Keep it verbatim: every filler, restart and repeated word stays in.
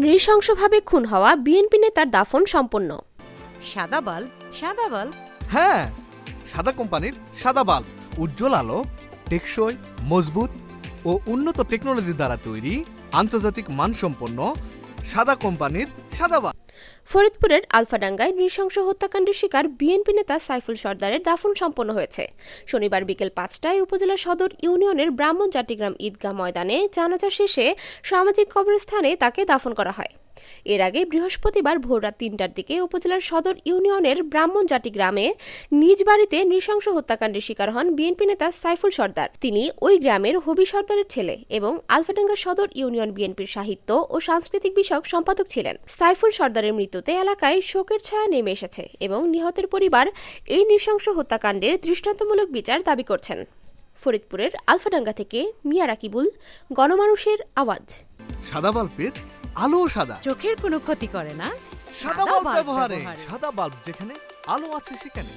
নৃশংসভাবে খুন হওয়া বিএনপি নেতার দাফন সম্পন্ন। সাদা বাল্ব সাদা বাল্ব হ্যাঁ, সাদা কোম্পানির সাদা বাল্ব উজ্জ্বল আলো, টেকসই, মজবুত ও উন্নত টেকনোলজি দ্বারা তৈরি আন্তর্জাতিক মানসম্পন্ন সাদা কোম্পানির সাদা বাল্ব। ফরিদপুরের আলফাডাঙ্গায় নৃশংস হত্যাকাণ্ডের শিকার বিএনপি নেতা সাইফুল সরদারের দাফন সম্পন্ন হয়েছে। শনিবার বিকেল পাঁচটায় উপজেলা সদর ইউনিয়নের ব্রাহ্মণ জাতিগ্রাম ঈদগাহ ময়দানে জানাজা শেষে সামাজিক কবরস্থানে তাকে দাফন করা হয়। এর আগে বৃহস্পতিবার ভোররাত তিনটার দিকে উপজেলার সদর ইউনিয়নের ব্রাহ্মণ জাতিগ্রামে নিজ বাড়িতে নৃশংস হত্যাকাণ্ডের শিকার হন বিএনপি নেতা সাইফুল সরদার। তিনি ওই গ্রামের হবি সরদারের ছেলে এবং আলফাডাঙ্গা সদর ইউনিয়ন বিএনপির সাহিত্য ও সাংস্কৃতিক বিষয়ক সম্পাদক ছিলেন। সাইফুল সরদারের মৃত্যুতে এলাকায় শোকের ছায়া নেমে এসেছে এবং নিহতের পরিবার এই নৃশংস হত্যাকাণ্ডের দৃষ্টান্তমূলক বিচার দাবি করছেন। ফরিদপুরের আলফাডাঙ্গা থেকে মিয়া রাকিবুল, গণমানুষের আওয়াজ। সাদা বাল্বের আলো সাদা, চোখের কোনো ক্ষতি করে না। সাদা বাল্ব ব্যবহারে সাদা বাল্ব যেখানে আলো আছে সেখানে।